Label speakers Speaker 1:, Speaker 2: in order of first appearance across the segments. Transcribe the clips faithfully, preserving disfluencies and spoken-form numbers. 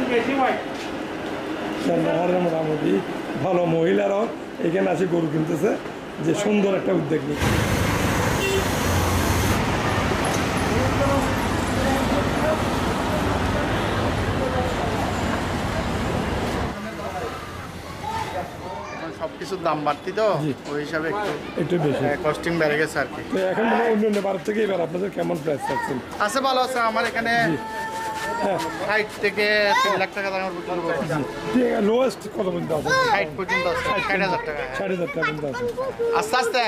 Speaker 1: মোটামুটি ভালো মহিলারাও এখানে আছে গরু কিনতেছে, যে সুন্দর একটা উদ্যোগ নিয়ে।
Speaker 2: সবকিছুর দাম বাড়তি তো ওই হিসাবে একটু
Speaker 1: একটু বেশি
Speaker 2: কস্টিং বেড়ে গেছে আর কি।
Speaker 1: তো এখন মানে অন্য অন্য ভারত থেকে এবার আপনাদের কেমন প্রাইস থাকছেন?
Speaker 2: আছে ভালো আছে, আমার এখানে ষাট থেকে তিন লাখ টাকা দামের বিক্রি করবো।
Speaker 1: লোয়েস্ট কত পর্যন্ত আছে?
Speaker 2: ষাট পর্যন্ত আছে, ষাট হাজার টাকা,
Speaker 1: ষাট হাজার টাকা পর্যন্ত আছে।
Speaker 2: আস্তে আস্তে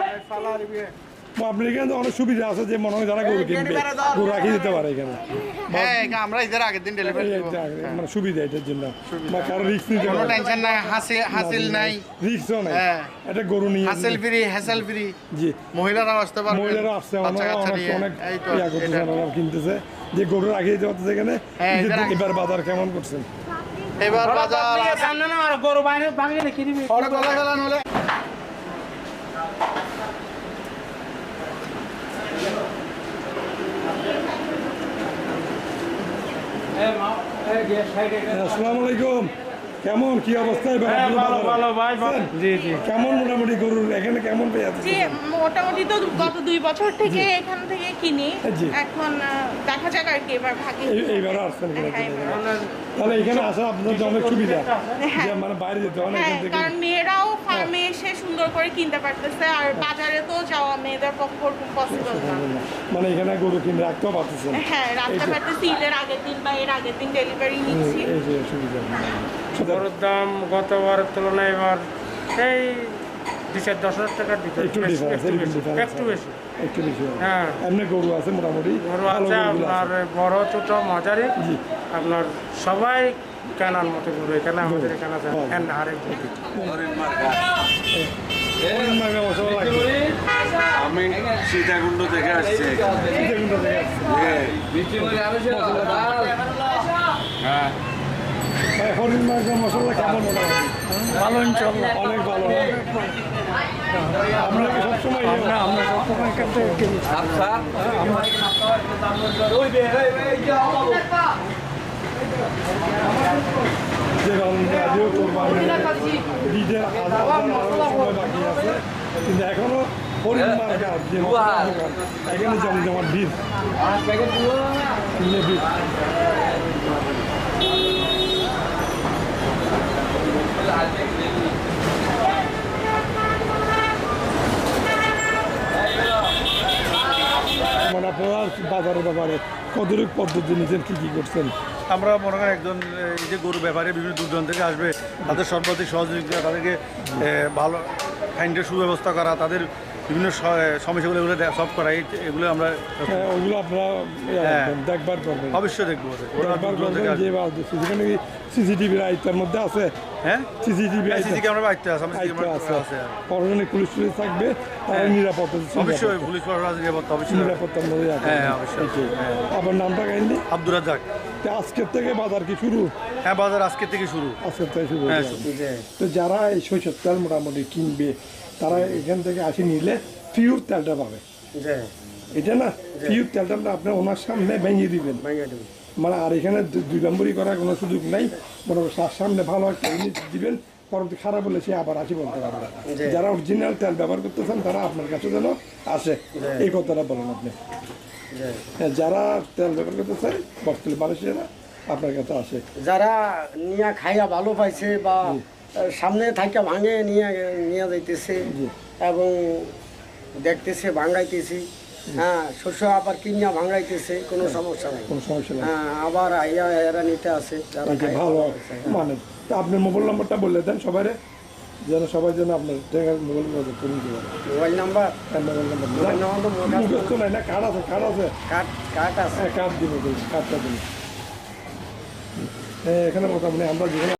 Speaker 1: আপনার এখানে তো অনেক সুবিধা আছে, যে মনে হয় যারা গরু কিনবে গরু রাখিয়ে দিতে পারে এখানে।
Speaker 2: হ্যাঁ, আমরা ঈদের আগের দিন ডেলিভারি দেব,
Speaker 1: মানে সুবিধা এটার জন্য, বা কারো রিস্ক নিতে
Speaker 2: কোনো টেনশন নাই, হাসিল হাসিল নাই,
Speaker 1: রিস্কও নাই।
Speaker 2: হ্যাঁ,
Speaker 1: এটা গরু নিয়ে
Speaker 2: হাসিল ফ্রি, হ্যাসেল ফ্রি।
Speaker 1: জি,
Speaker 2: মহিলারা আসতে পারবে,
Speaker 1: মহিলারা আসছে,
Speaker 2: বাচ্চা কাচ্চা নিয়ে
Speaker 1: অনেক
Speaker 2: এই তো
Speaker 1: ইয়া করতেছে, ওরা কিনতেছে, যে গরু রাখিয়ে দিতে পারতেছে এখানে। এবার বাজার কেমন করছেন?
Speaker 2: এবার বাজার
Speaker 3: সামনে না আর গরু বাইরে ভাঙিয়ে রেখে দিবি
Speaker 2: পরে গলা গলা নলে
Speaker 1: আসসালামু আলাইকুম, কেমন কি অবস্থা? কেমন মোটামুটি গরুর এখানে কেমন পেয়ে যাচ্ছে?
Speaker 4: জি, মোটামুটি তো গত দুই বছর থেকে এখান থেকে কিনি, এখন দেখা যাক আর কি এবার ভাগে।
Speaker 1: এইবার আসছেন, তাহলে এখানে আসা আপনাদের অনেক সুবিধা, মানে বাইরে যেতে হয় না এখান থেকে।
Speaker 4: কারণ মেয়েরাও ফার্মে এসে সুন্দর করে কিনতে পারতেছে, আর বাজারে তো যাওয়া মেয়েদের পক্ষে পসিবল না,
Speaker 1: মানে এখানে গরু কিনে রাখতেও পারতেছেন।
Speaker 4: হ্যাঁ, রাখতে পারতেছি, ঈদের আগের দিন বা এর আগের দিন ডেলিভারি নিচ্ছি।
Speaker 1: এই যে সুবিধা।
Speaker 3: গরুর দাম গতবারের তুলনায় এবার সেই দুই চার দশ হাজার টাকার দিতে
Speaker 1: একটু ডিফারেন্স,
Speaker 3: একটু বেশি
Speaker 1: একটু বেশি।
Speaker 3: হ্যাঁ,
Speaker 1: এমনি গরু আছে মোটামুটি
Speaker 3: গরু আছে আপনার বড় ছোট মাঝারি, আপনার সবাই কেনার মতো গরু এখানে আমাদের এখানে আছে।
Speaker 5: আমি সীতাকুণ্ড থেকে আসছি। হ্যাঁ,
Speaker 1: হরিণ মাংস মশলা কেমন?
Speaker 3: ভালো ইনশাল্লাহ,
Speaker 1: অনেক ভালো। আমরা সবসময়
Speaker 3: আমরা আমরা সবসময় এখান থেকে কিনি।
Speaker 1: যে রাজিও কোরবানি ঈদের সময় বাকি আছে, কিন্তু এখনো হরিণ মার্কেট যে এখানে জমজমাট ভিড় ভিড়। মানে আপনারা বাজারের ব্যাপারে কতটুকু পদ্ধতি নিয়েছেন, কি কি করছেন?
Speaker 6: আমরা মনে করেন একজন এই যে গরু ব্যাপারে বিভিন্ন দূরদূরান্ত থেকে আসবে, তাদের সর্বাধিক সহযোগিতা, তাদেরকে ভালো খাইন্ডের সুব্যবস্থা করা, তাদের বিভিন্ন সমস্যাগুলো এগুলো সলভ করা, এগুলো আমরা
Speaker 1: ওগুলো আপনারা দেখবার করবেন,
Speaker 6: অবশ্যই দেখবো।
Speaker 1: সেখানে সিসিটিভির আয়ত্তের মধ্যে আছে।
Speaker 6: হ্যাঁ,
Speaker 1: সিসিটিভি
Speaker 6: সিসি ক্যামেরা আয়ত্তে আছে,
Speaker 1: আছে, পরজনে পুলিশ পুলিশ থাকবে, তারা নিরাপত্তা,
Speaker 6: অবশ্যই পুলিশ নিরাপত্তা, অবশ্যই
Speaker 1: নিরাপত্তার মধ্যে আছে।
Speaker 6: হ্যাঁ, অবশ্যই।
Speaker 1: আপনার নামটা কাইন্ডলি?
Speaker 6: আব্দুর রাজ্জাক।
Speaker 1: আজকের থেকে বাজার কি শুরু?
Speaker 6: হ্যাঁ, বাজার আজকের থেকে শুরু।
Speaker 1: আজকের থেকে শুরু।
Speaker 6: হ্যাঁ,
Speaker 1: তো যারা এই সরিষার তেল মোটামুটি কিনবে, তারা এখান থেকে আসি নিলে পিওর তেলটা পাবে। এটা না পিওর তেলটা আপনি ওনার সামনে ভেঙে দিবেন, মানে আর এখানে দুই নম্বরই করার কোনো সুযোগ নাই। মোটামুটি তার সামনে ভালো একটা জিনিস দিবেন, পরবর্তী খারাপ হলে সে আবার আসি বলতে পারবে। যারা অরিজিনাল তেল ব্যবহার করতেছেন তারা আপনার কাছে যেন আসে, এই কথাটা বলেন আপনি। যারা তেল ব্যবহার করতেছে বর্তমানে মানুষেরা আপনার কাছে আসে,
Speaker 7: যারা নিয়ে খাইয়া ভালো পাইছে বা সামনে থাকা ভাঙে নিয়ে নিয়ে যাইতেছে এবং দেখতেছে ভাঙাইতেছি। হ্যাঁ, শস্য আবার কিনিয়া ভাঙাইতেছে, কোনো সমস্যা নাই,
Speaker 1: কোনো সমস্যা নেই।
Speaker 7: হ্যাঁ, আবার আইয়া এরা নিতে আসে যারা
Speaker 1: ভালো মানে। তা আপনার মোবাইল নাম্বারটা বললে দেন সবাই, যেন সবাই যেন আপনার মোবাইল নাম্বার করে দিতে পারে।
Speaker 7: মোবাইল নাম্বার
Speaker 1: মোবাইল নাম্বার মুখস্থ নাই না? কার্ড আছে, কার্ড আছে,
Speaker 7: কার্ড কার্ড আছে।
Speaker 1: হ্যাঁ, কার্ড দিব, কার্ডটা দিন। এখানে মোটামুটি আমরা যেখানে